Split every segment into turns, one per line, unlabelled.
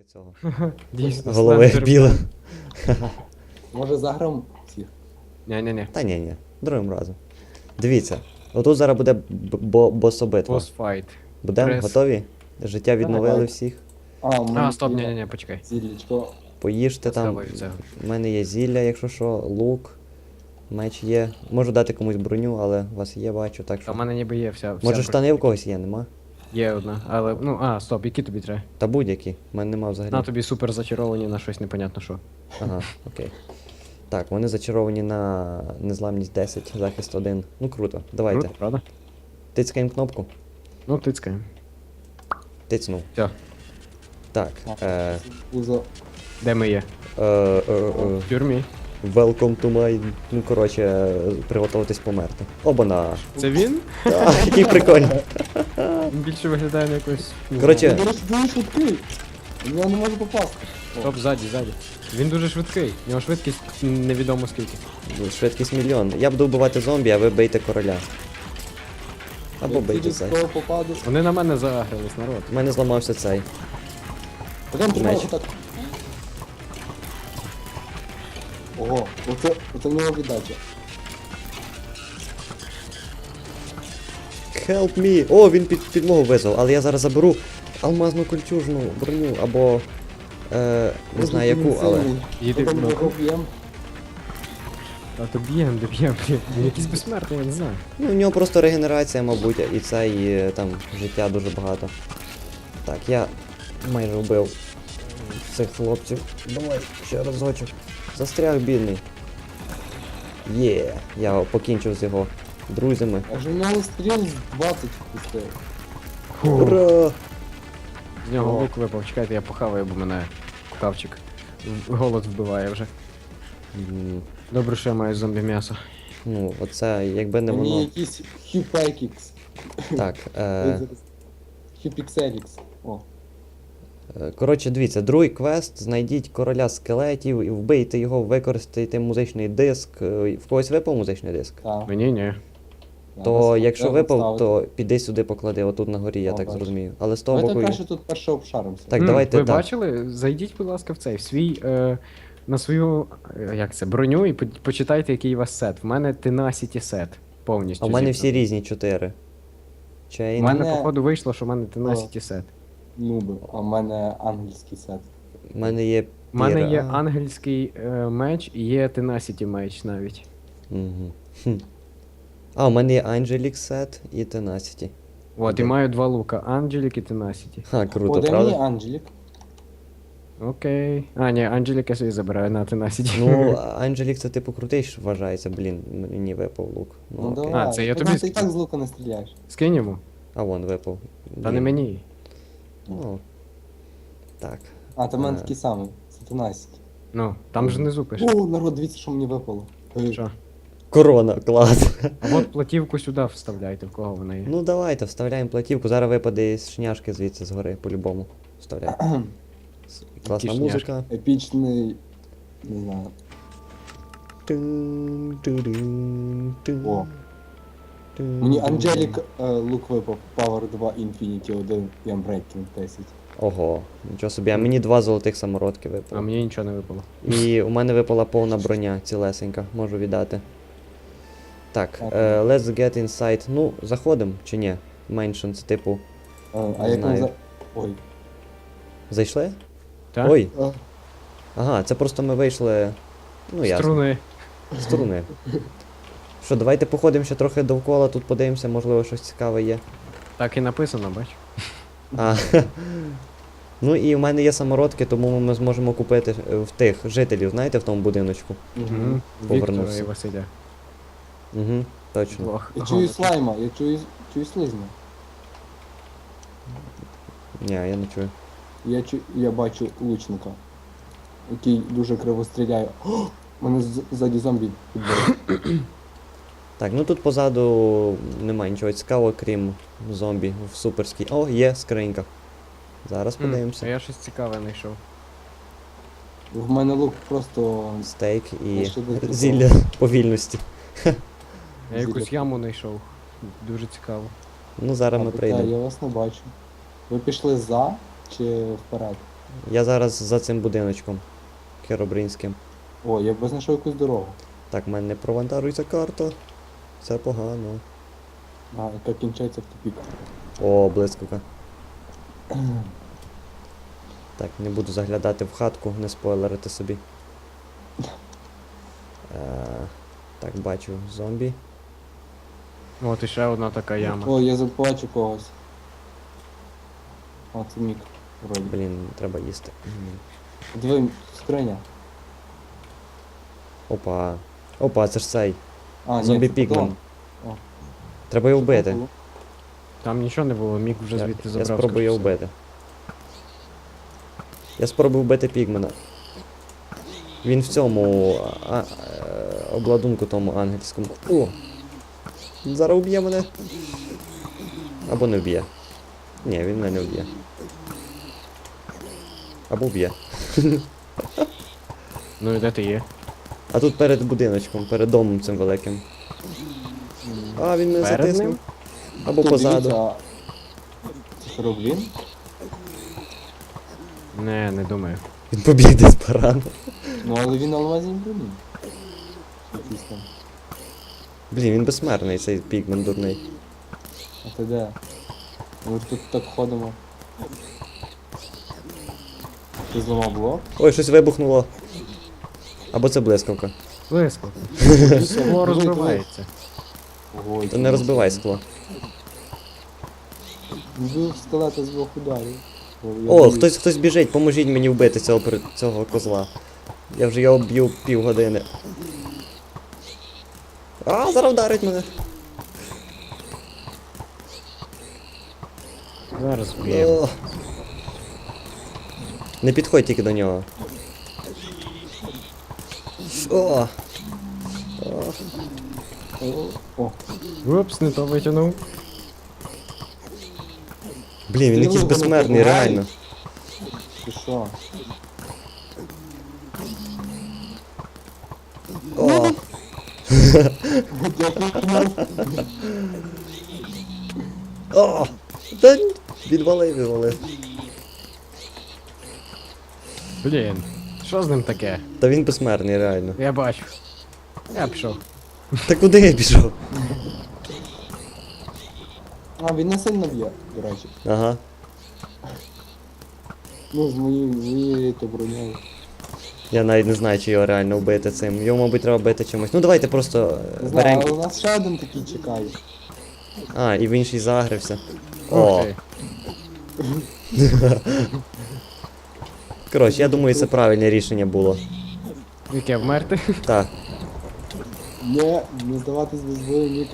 цього.
Дійсно,
Голови
слендер.
біла.
Може заграм всіх?
Ні-ні-ні.
Та ні, другим разом. Дивіться, отут зараз буде бособитва.
Босфайт.
Будемо
Прес.
готові? Життя відновили
Давай.
всіх.
А, стоп, ні-ні-ні, почекай.
Зіллячко.
Поїжте там.
Поставлю це.
У мене є зілля, якщо що, лук, меч є. Можу дати комусь броню, але у вас є, бачу, так
А
що.
в мене ніби є вся.
Може штани в когось є, нема?
Є одна, але, стоп, які тобі треба?
Та будь-які. У мене нема взагалі.
На тобі супер зачаровані на щось непонятно що.
Ага, окей. Так, вони зачаровані на незламність 10, захист 1. Ну круто, давайте.
Круто, правда?
Тицькаємо кнопку.
Ну, тицькаємо.
Тицнув.
Все,
Так.
Узо.
де ми є? В тюрмі.
Welcome to my... Ну, коротше, приготуватись померти. Обана!
Це він?
Так, який прикольний.
Він більше виглядає на якось. не
Коротше,
знаю.
Він дуже швидкий. В нього не може попасти. О,
Стоп, ззаді. Він дуже швидкий. У нього швидкість невідомо скільки.
Швидкість мільйон. Я буду вбивати зомбі, а ви бийте короля. Або
я
бийте
через
цей.
кого попаду.
Вони на мене заагрились, народ.
У мене зламався цей.
Потім тримай
Меч.
отак. Ого, оце в нього віддача.
Help me! О, він підлогу визвав, але я зараз заберу алмазну кольчужну броню, або... не знаю яку, але...
Їди
Потім
в
його б'єм.
А то б'єм, блін. Він якийсь безсмертний, я не знаю.
Ну, у нього просто регенерація, мабуть, і це, і там життя дуже багато. Так, я майже вбив цих хлопців. Давай, ще разочок. Застряг бідний. Є, я покінчив з його друзями.
А ж в нього стріл з 20 пустив.
Ура!
З нього
О.
лук випав, чекайте, я похаваю, бо мене кавчик. Голод вбиває вже.
М,
Добре, що я маю зомбі м'ясо.
Ну, оце, якби не
Мені
воно.
якийсь Хюпекікс.
Так,
Хюпікселікс. О.
коротше, дивіться, другий квест, знайдіть короля скелетів і вбийте його, використайте музичний диск. В когось випав музичний диск?
Так.
Мені ні.
То якщо
Треба
випав,
ставити.
то піди сюди поклади, отут на горі, я
О,
так
бачу.
зрозумів. Але з того
Давайте
боку.
краще тут перше обшаримося.
Так, давайте
Ви
так.
бачили? Зайдіть, будь ласка, в цей, в свій, на свою, як це, броню і почитайте, який у вас сет. В мене Tenacity сет повністю.
А в мене
зібраний.
всі різні 4.
У
Чейн.
мене,
Мене-
походу, вийшло, що в мене Tenacity сет.
Нуби, а в мене ангельський сет.
У мене є.
У мене є
піра.
ангельський меч і є Tenacity меч навіть.
Мгм. Хм. А, у мене є Angelic Set і Tenacity.
От, і
Де?
маю два лука, Angelic і Tenacity.
Ха, круто,
О, де мені
правда?
Анджелік?
Окей. А, ні, Angelic я собі забираю на Tenacity.
Ну, Angelic це типу крутий ж вважається, блін, мені випав лук. Ну,
Ну
окей.
давай.
це я
Та
тобі
Ти і так з лука не стріляєш.
Скинь йому.
А вон випав.
Та не
Блін.
мені.
Ну. Так.
А, то в мене
Е.
такий самий. Це 13.
Ну, там ж внизу пише.
О, народ, дивіться, що мені випало.
Що?
Корона, клас.
А от платівку сюди вставляйте, в кого вона є.
Ну давайте, вставляємо платівку. Зараз випаде із шняшки звідси згори, по-любому. Вставляй. Класна
Які
музика.
Епічний. Не знаю. О. Мені Анджелік лук випав. Power 2 Infinity 1 і Unbreaking 10.
Ого, нічого собі, а мені 2 золотих самородки
А
випало.
мені нічого не випало.
І у мене випала повна броня, цілесенька, можу віддати. Так,
Так.
let's get inside. Ну, заходимо чи ні? Меншин, це типу.
А
Не
як
знаю.
він за... Ой.
Зайшли?
Так?
Ой,
А,
ага, це просто ми вийшли. Ну, ясно.
Струни.
З струни. Що, давайте походимо ще трохи довкола, тут подивимося, можливо, щось цікаве є.
Так і написано, бач.
А, ну і в мене є самородки, тому ми зможемо купити в тих жителів, знаєте, в тому будиночку.
мгм.
Віктора
Повернувся.
і Василя.
Угу, точно.
Двох.
Я чую слайма, я чую слизня.
Ні, я не чую.
Я бачу лучника, який дуже криво стріляє. О! Мене ззаді зомбі підбили.
Так, ну тут позаду немає нічого цікавого, крім зомбі в суперській. О, є скринька. Зараз
А
подивимося.
я щось цікаве знайшов.
В мене лук просто.
Стейк і
Я ще декілька.
зілля повільності.
Я якусь яму знайшов. Дуже цікаво.
Ну зараз ми
Так,
прийдемо.
я вас не бачу. Ви пішли за чи вперед?
Я зараз за цим будиночком. Херобринським.
О, я б знайшов якусь дорогу.
Так, в мене не провантарується карта. Це погано.
А, яка кінчається в тупік.
О, блискавка. Так, не буду заглядати в хатку, не спойлерити собі. Так, бачу зомбі.
От іще одна така яма.
О, я побачу когось. О, це Мік. Вроді.
Блін, треба їсти.
Диви, скриня.
Опа. Опа, це ж цей.
А,
Зомбі
це
пікмен.
потом. О.
Треба його вбити.
Там нічого не було, Мік вже звідти
Я
забрав.
спробую його
скоріше.
вбити. Я спробую вбити пігмена. Він в цьому обладунку тому ангельському. О! Зараз вб'є мене. Або не вб'є. Ні, він мене не вб'є. Або вб'є.
Ну і де ти є?
А тут перед будиночком, перед домом цим великим. А, він мене
Перед
затиснув.
ним?
Або
Хто
позаду.
дивиться, а це Херобрин?
Не думаю.
Він побіг десь порано.
Ну але він алмазі не бронів. Якийсь там.
Блін, він безсмертний, цей пігмен дурний.
А ти де? Ми тут так ходимо. Ти зламав блок?
Ой, щось вибухнуло. Або це блискавка.
Близько.
Все,
Скло розбивається.
Ой,
То не розбивай скло.
Вбив скелета з двох ударів.
О, хтось біжить, поможіть мені вбити цього козла. Я вже його б'ю півгодини. А, зараз вдарить мене.
Зараз б'ємо.
О. Не підходь тільки до нього. О.
О,
Упс, не то витягнув.
Блін, він
Ти
якийсь
його
безсмертний,
не
реально.
ти що?
О. О. Та відвалив.
Блін, що з ним таке?
Та він безсмертний, реально.
Я бачу. Я пішов.
Та куди я пішов?
А, він не сильно б'є, до речі.
Ага.
Ну, з моєю то бронею.
Я навіть не знаю, чи його реально вбити цим. Його, мабуть, треба бити чимось. Ну давайте просто
Не знаю, але
беремо.
у нас ще один такий чекає.
А, і в інший загрився.
Ух
О.
ти.
Коротше, я думаю, це правильне рішення було.
Яке вмерти?
Так.
Не здаватись без бою, Нік.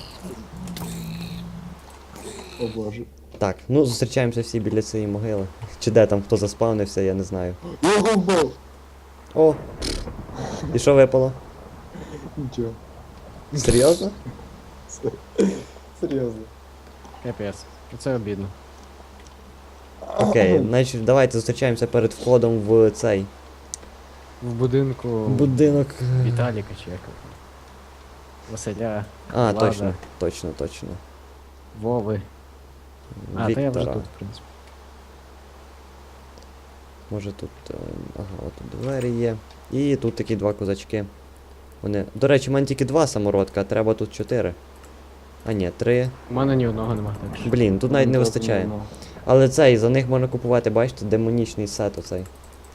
О боже.
Так, ну зустрічаємося всі біля цієї могили. Чи де там хто заспавнився, я не знаю.
Я його вбив!
О! І що випало?
Нічого.
Серйозно?
Серйозно.
Капець. Це обідно.
Окей, значить давайте зустрічаємося перед входом в цей
В будинку
будинок.
Віталіка чи як. Василя,
А,
Влада.
точно.
Вови. А, та я вже
Віктора.
тут, в принципі.
Може тут. Ага, от тут двері є. І тут такі два козачки. Вони. До речі, в мене тільки два самородка, а треба тут 4. А ні, 3.
У мене ні одного нема, так що.
Блін, тут навіть не вистачає. Але цей, за них можна купувати, бачите, демонічний сет оцей.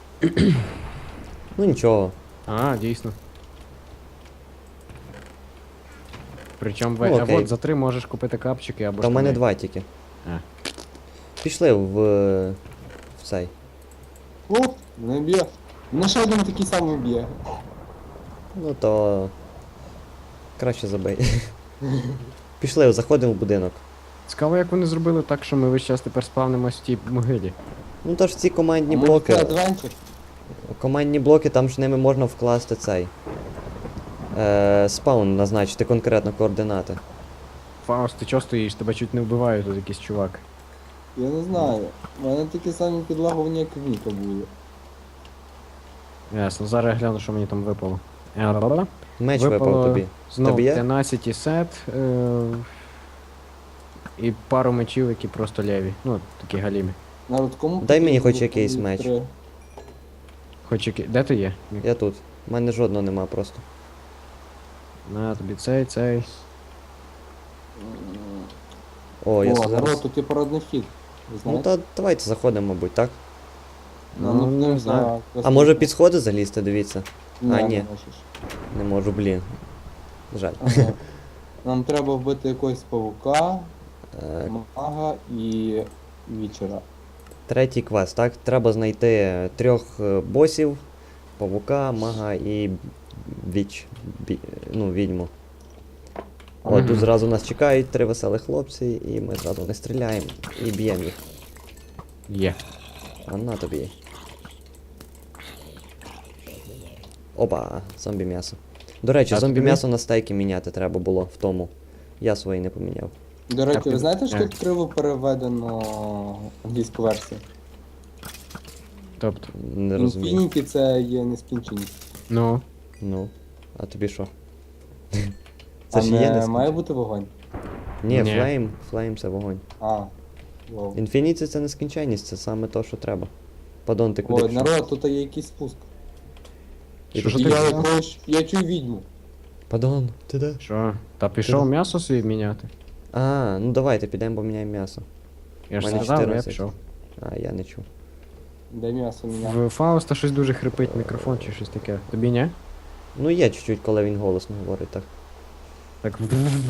Ну нічого.
А, дійсно. Причому
Ну,
а
окей.
от за 3 можеш купити капчики або
Та в мене
штани.
2 тільки.
А.
Пішли в цей.
О, мене б'є. Мене ще один такий самий б'є.
Ну то. Краще забий. Пішли, заходимо в будинок.
Цікаво, як вони зробили так, що ми весь час тепер спавнимось в тій могилі.
Ну то ж ці командні
А може
блоки.
це адвенчер?
Командні блоки, там ж ними можна вкласти цей. Спаун назначити конкретно координати.
Фауст, ти чого стоїш? Тебе чуть не вбиває тут якийсь чувак.
Я не знаю. У мене такі самі підлагування, як в Ніка були.
Ясно, зараз я гляну, що мені там випало.
Меч випав тобі.
Знов
Тобі є?
13 сет. І пару мечів, які просто леві. Ну, такі галімі.
Народ, кому
Дай мені
потрібно
хоч якийсь
було
меч.
3?
Хоч який. Де ти є?
Я тут. У мене жодного нема просто.
На тобі цей.
О, я
О,
зараз.
народ, тут є парадний вхід. Ви
Ну
знаєте?
та давайте заходимо, мабуть, так?
Ну, не знаю.
А може під сходи залізти, дивіться?
Ні,
А,
не
ні.
можеш.
Не можу, блін. Жаль.
Ага. Нам треба вбити якогось павука,
Е,
мага і вічера.
Третій квест, так? Треба знайти 3 босів, павука, мага і відьму. От
Мгм.
тут зразу нас чекають 3 веселих хлопці, і ми зразу не стріляємо і б'ємо їх.
Є.
А на тобі. Опа, зомбі м'ясо. До речі,
А
зомбі
тобі?
м'ясо на стейки міняти треба було в тому. Я свої не поміняв.
До речі,
ти-
ви знаєте, що
Е.
тут криво переведено англійську версію?
Тобто.
Не розумію.
Infinity це є нескінченість.
Ну.
Ну, а тобі що?
А
Це ж є
не
не
має бути вогонь?
Ні,
Ні.
флейм це вогонь.
А, вау.
Інфініті це нескінченність, це саме то, що треба. Падон, ти куди
Ой,
пішов?
народ, тут є якийсь спуск.
І
Що
тут-
ж
І
ти?
я чую відьму.
Падон, ти де?
Що? Та пішов
Ти-
м'ясо собі міняти.
А, ну давайте підемо поміняємо м'ясо.
Я ж
Мене
сказав, я
14.
пішов.
А, я не чув.
Де м'ясо міняє?
В Фауста щось дуже хрипить мікрофон чи щось таке. Тобі ні?
Ну є чуть-чуть, коли він голосно говорить так.
Так.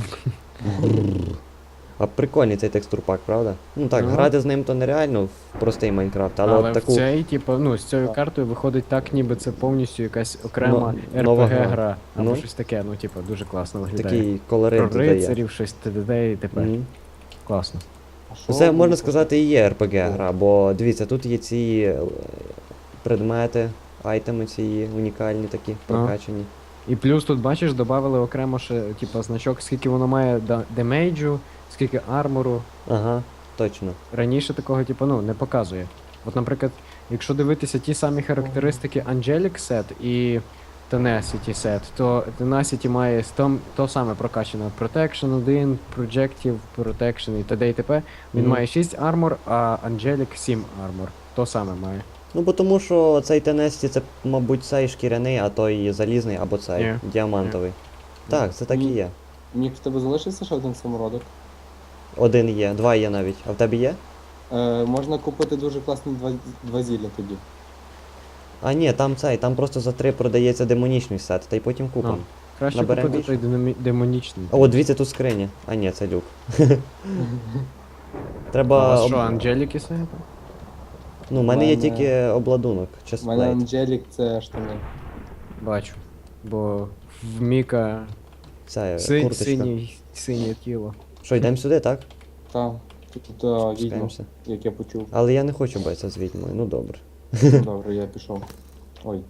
А прикольний цей текстурпак, правда? Ну так,
Ну.
грати з ним то нереально в простий Майнкрафт, але,
Але
от
в
таку.
цей, типу, ну, з цією
Так.
картою виходить так, ніби це повністю якась окрема
Нова
RPG
гра.
гра. Або
Ну.
щось таке, ну, типу, дуже класно виглядає.
Такий колорит
Про
додає.
рицарів, щось т.д. і т.п.
Мгм.
Класно.
А що
Це
ви
можна
тут?
сказати і є RPG гра, бо дивіться, тут є ці предмети, айтеми ці унікальні такі, прокачані.
І плюс тут, бачиш, додали окремо ще, типу, значок, скільки воно має демейджу, скільки армору.
Ага, точно.
Раніше такого, типу, ну, не показує. От, наприклад, якщо дивитися ті самі характеристики Angelic Set і Tenacity Set, то Tenacity має то саме прокачане Protection 1, Projective, Protection і т.д. і т.п. Він
Мгм.
має 6 армор, а Angelic 7 армор. То саме має.
Ну бо тому що цей Тенесті це, мабуть, цей шкіряний, а той залізний або цей
Ні.
діамантовий. Так, це так і
Ні.
є.
Мік, в тебе залишився ще один самородок?
Один є, 2 є навіть. А в тебе є?
Можна купити дуже класні два зілля тоді.
А ні, там цей, там просто за 3 продається демонічний сет, та й потім купимо.
Ну, Краще
Наберемо
купити той демонічний.
А от дивіться, тут скриня. А ні, це люк.
А у
Треба.
вас що, Angelic Set?
Ну, в мене є
мене-
тільки обладунок,
У мене
честплейт.
Анджелік це штани.
Бачу. Бо в Міка
Це курточка.
синє тіло.
Що, йдемо сюди, так?
Та, тут відьма,
Спускаємося.
як я почув.
Але я не хочу битися з відьмою, ну добре.
Ну, добре, я пішов. Ой.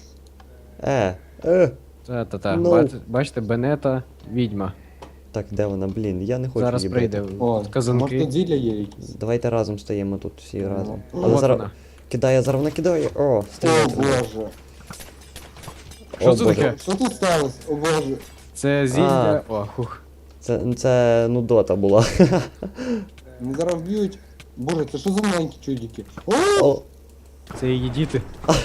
Е.
Та-та-та.
Ну.
Бачите, Бенета, відьма.
Так, де вона, блін? Я не хочу
Зараз
її
прийде
бити.
О,
тут казанки.
може тут зілля є якісь?
Давайте разом стоїмо тут всі
Ну.
разом.
От
Але зараз
вона.
кидає, зараз вона кидає. О,
О,
стріляє.
боже.
Що це
Боже.
таке?
Що тут сталося? О, боже.
Це зілля. О, хух.
Це нудота була.
Мене зараз вб'ють. Боже, це що за маленькі чудики? О!
О,
Це її діти.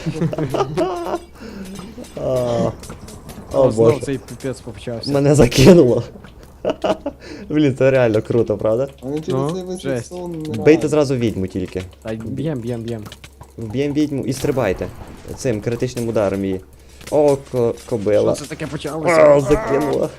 а,
О,
о
знов
боже.
цей піпець почався.
Мене закинуло. Блін, це реально круто, правда?
Вони через
Ну,
цей весь
жесть.
сон не
Бийте
грають.
зразу відьму тільки.
Та б'єм.
Вб'ємо відьму і стрибайте. Цим критичним ударом її. О, кобила.
Що це таке
О,
почалося?
закинула.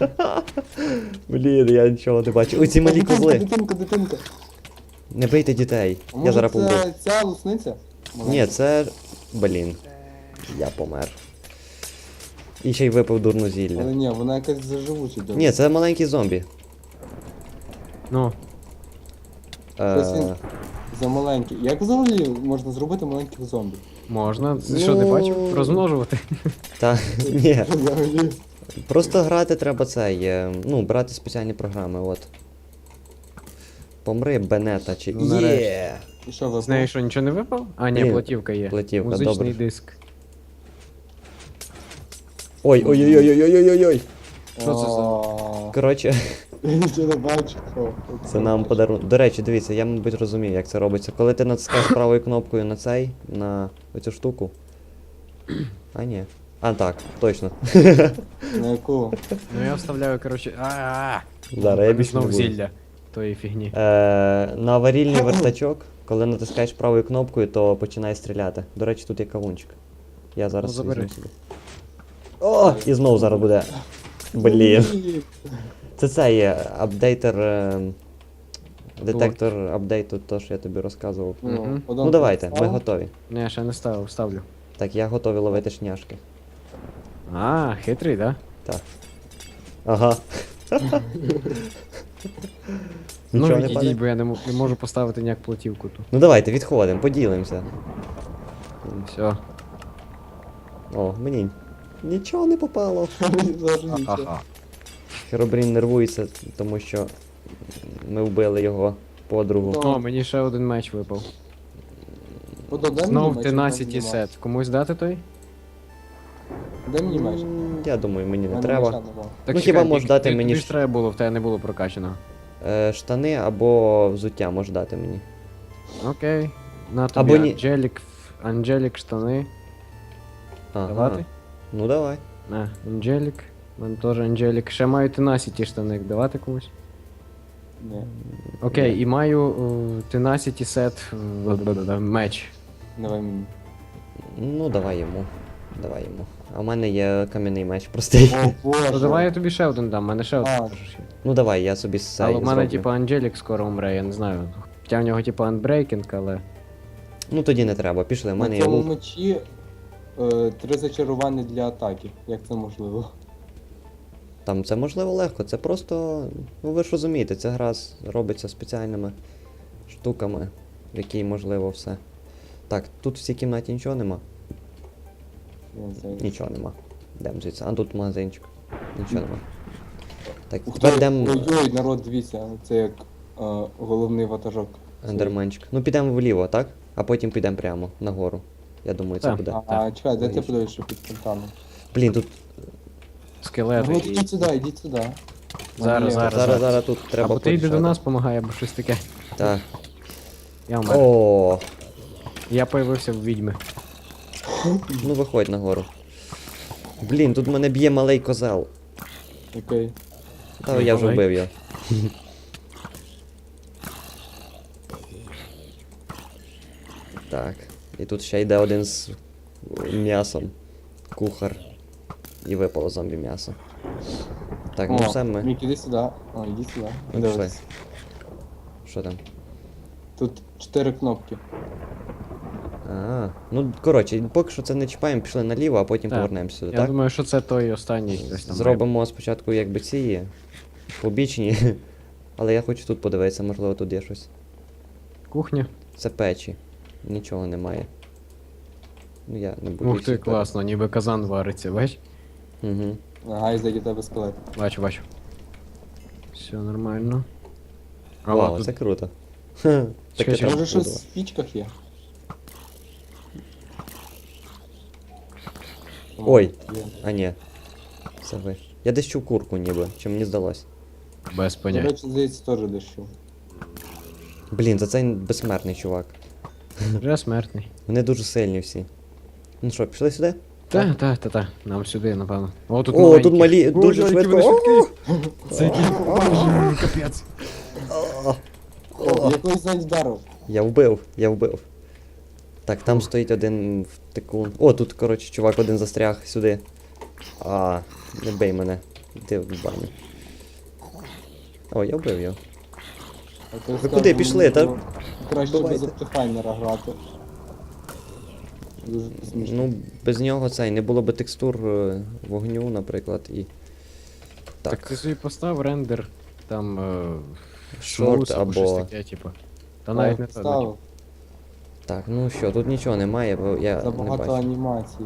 Блін, я нічого не бачу. Ой, ці малі козли.
Дитинка.
Не бийте дітей.
А
Я
може
зараз помру.
це ця лусниця?
Ні, це. Блін. Я помер. І ще й випив дурну
Але
зілля.
ні, вона якась заживуча.
Ні, це маленький зомбі.
Ну,
Ось він
Е,
за маленький. Як взагалі можна зробити маленьких зомбі?
можна. Ти що, не бачив? Розмножувати.
Та ні.
Взагалі.
Просто грати треба цей. Ну, брати спеціальні програми, от. Помри, Бенета чи.
Ну, нарешті.
Є!
І що ви?
З неї що, нічого не випав? А, ні,
Ні,
платівка є.
платівка,
Музичний
добре.
диск.
Ой-ой-ой-ой-ой-ой-ой!
Що це за-
О,
Коротше,
Я нічого не бачу. О,
це нам подарунок. До речі, дивіться, я, мабуть, розумію, як це робиться. Коли ти натискаєш правою кнопкою на цей, на оцю штуку. А, ні. А, так, точно.
На яку?
Ну я вставляю, коротше.
Зараз я більше не
знов
буду.
зілля тої фігні.
На аварійний вертачок, коли натискаєш правою кнопкою, то починає стріляти. До речі, тут є кавунчик. Я зараз
Ну, забери.
візьму собі. О! І знову зараз буде. Блін. Це цей апдейтер. Детектор апдейту, то, що я тобі розказував.
Мгм.
Подон
Ну давайте, ми
поставив.
готові.
Не, ще не ставив, ставлю.
Так, я готовий ловити шняшки.
А, хитрий, да?
Так. Ага.
Ну
Нічого не
відійдіть,
падає?
бо я не можу поставити ніяк платівку тут.
Ну давайте, відходимо, поділимося.
Все.
О, мені нічого не попало.
Мені теж нічого.
Ха-ха.
Херобрін нервується, тому що ми вбили його подругу.
Ну,
О, мені ще один меч випав.
Подон, дай мені
Знов
меч,
Tenacity
я
сет. Комусь дати той?
Дай мені меч.
Я думаю, мені
У
не
мене
треба.
меча нема.
Так
Ну, хіба можеш дати мені
ж треба було, в тебе не було прокачаного.
Штани або взуття можеш дати мені.
Окей. На
Або
тобі
ні.
Анджелік штани.
Ага.
Давати?
Ну давай.
На, Анджелік. У мене теж Анджелік. Ще маю Tenacity штани. Давати комусь?
Ні,
Окей, і маю Tenacity сет меч.
давай мені.
Ну давай йому. Давай йому. А в мене є кам'яний меч простий.
О, боже.
Ну давай я тобі ще один дам, в мене ще один.
А.
теж є.
Ну давай, я собі цей
Але в мене
зроблю.
типу Анджелік скоро умре, я не знаю. Хоча в нього типу анбрейкінг, але.
Ну тоді не треба, пішли, в мене
На
є
цьому
лук.
мечі 3 зачарування для атаки. Як це можливо?
Там це можливо легко, це просто. Ну ви ж розумієте, ця гра робиться спеціальними штуками, в якій можливо все. Так, тут в цій кімнаті нічого нема.
Я не знаю.
Нічого нема. Йдемо звідси. А тут магазинчик. Нічого нема. Так,
Ух
тепер
ти,
йдемо
ой-ой, народ, дивіться, це як головний ватажок.
ендерменчик. Ну підемо вліво, так? А потім підемо прямо нагору. Я думаю, це
Так.
буде.
А, чекай, де ти
Логічно.
подивишся під фонтаном?
Блін, тут
Скелети.
Ну, ідіть сюди, ідіть сюди.
Зараз,
Ні,
зараз.
зараз тут треба
Або ти йди до
порішати.
нас, помагай, або щось таке.
Так.
Я вмер.
О,
Я появився в відьми.
ну виходь нагору. Блін, тут мене б'є малий козел.
Окей.
Та
Ну,
я вже
давай.
вбив його. Так. І тут ще йде один з м'ясом. Кухар. І випало зомбі м'ясо. Так, ну все ми.
Мік, іди сюди. О, іди сюди.
Ну,
Дивись.
пішли. Що там?
Тут 4 кнопки.
А, ну коротше, поки що це не чіпаємо, пішли наліво, а потім
Так.
повернемося сюди,
Я
так?
думаю, що це той останній хтось там.
Зробимо спочатку якби ці побічні. Але я хочу тут подивитися, можливо тут є щось.
Кухня.
Це печі. Нічого немає. Ну я не буду.
Ух ти, класно, ніби казан вариться, бач?
Угу.
Ага, і зайде тебе скелет.
Бачу, бачу. Все нормально. А
Вау,
тут
це круто.
Чекай,
Таке
чекай.
там
Може щось
було.
в спічках є?
Ой.
Є.
А ні. Це ви. Я десь чув курку ніби, чи мені здалось.
без
До
поняття.
речі, здається, теж дещо.
Блін, за цей безсмертний чувак.
Вже смертний.
Вони дуже сильні всі. Ну що, пішли сюди?
Та. Нам сюди, напевно. О, тут
О,
маленькі.
тут малі,
Боже,
дуже
які
швидко.
вони
О!
швидкі. Це який капець.
О, якось навіть вдарив.
Я вбив. Так, там стоїть один втикун. О, тут, коротше, чувак один застряг сюди. А, не бей мене. Іди в баню. О, я вбив його.
А то
Ви
скажу,
куди пішли, та?
ну, Краще без
Бувайте.
оптифайнера грати. Дуже смішно.
Ну, без нього цей, не було би текстур вогню, наприклад, і.
Так
Так,
ти собі постав рендер, там
шорт
шмус або щось
або.
таке, типу. Та навіть не то.
Ставив.
Так, ну що, тут нічого немає, бо я не
Забагато
бачу.
анімацій.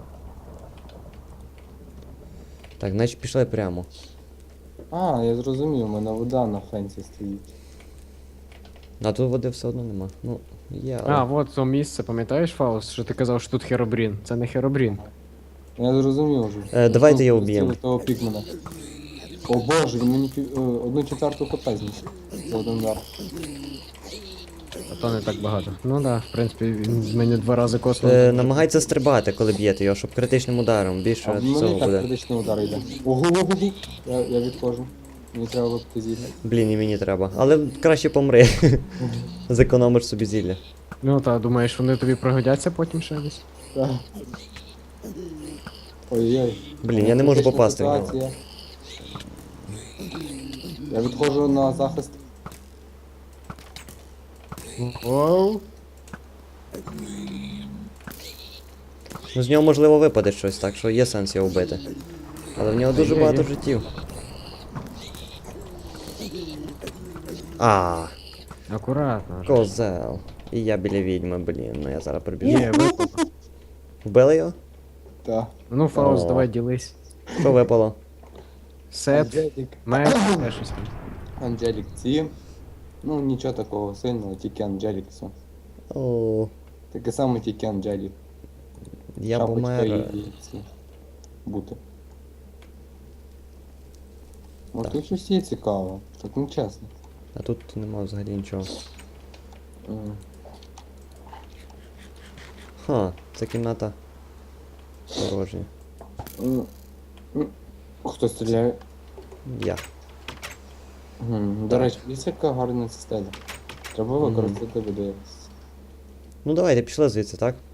Так, значить пішли прямо.
А, я зрозумів, у мене вода на фенсі стоїть.
А тут води все одно нема. Ну, є, але.
А, от то місце, пам'ятаєш, Фаус, що ти казав, що тут Херобрін. Це не Херобрін.
Я зрозумів вже.
Давайте його
Ну,
вб'ємо.
Того пікмена. О боже, він мені 1/4 хп знищив. За один удар.
А то не так багато. Ну да, в принципі, він з мене 2 рази коснув.
Намагайтеся стрибати, коли б'єте його, щоб критичним ударом
А
більше
в мене
цього
і так
буде.
критичний удар йде. Ого, я відходжу. Мені треба випити зілля.
Блін, і мені треба. Але краще помри. Зекономиш собі зілля.
Ну та, думаєш, вони тобі пригодяться потім ще десь?
Так. Ой-ой.
Блін, я не можу
Критична
попасти в нього.
ситуація. Я відходжу на захист.
Оу.
Ну з нього можливо випаде щось, так що є сенс його вбити. Але в нього дуже
Є,
багато
є.
життів. А,
Акуратно.
козел. І я біля відьми, блін, ну я зараз прибіжу.
Є, випало.
Вбили його?
Так.
Ну, Фауст,
О.
давай ділись.
Що випало?
Сет,
Анджелік.
меч, ще щось.
Анджелік ці. Ну нічого такого сильного, тільки Анджелік все.
О,
Таке саме тільки Анджелік.
я
Шапочка
помер.
і ці. Бути. Може
Так.
тут щось є цікаве, так не чесно.
А тут нема взагалі нічого. Ха, ця кімната порожня.
Хто стріляє?
Я.
До речі, дивіться, яка гарна цистеля. Треба використати буде.
Ну давайте, пішли звідси, так?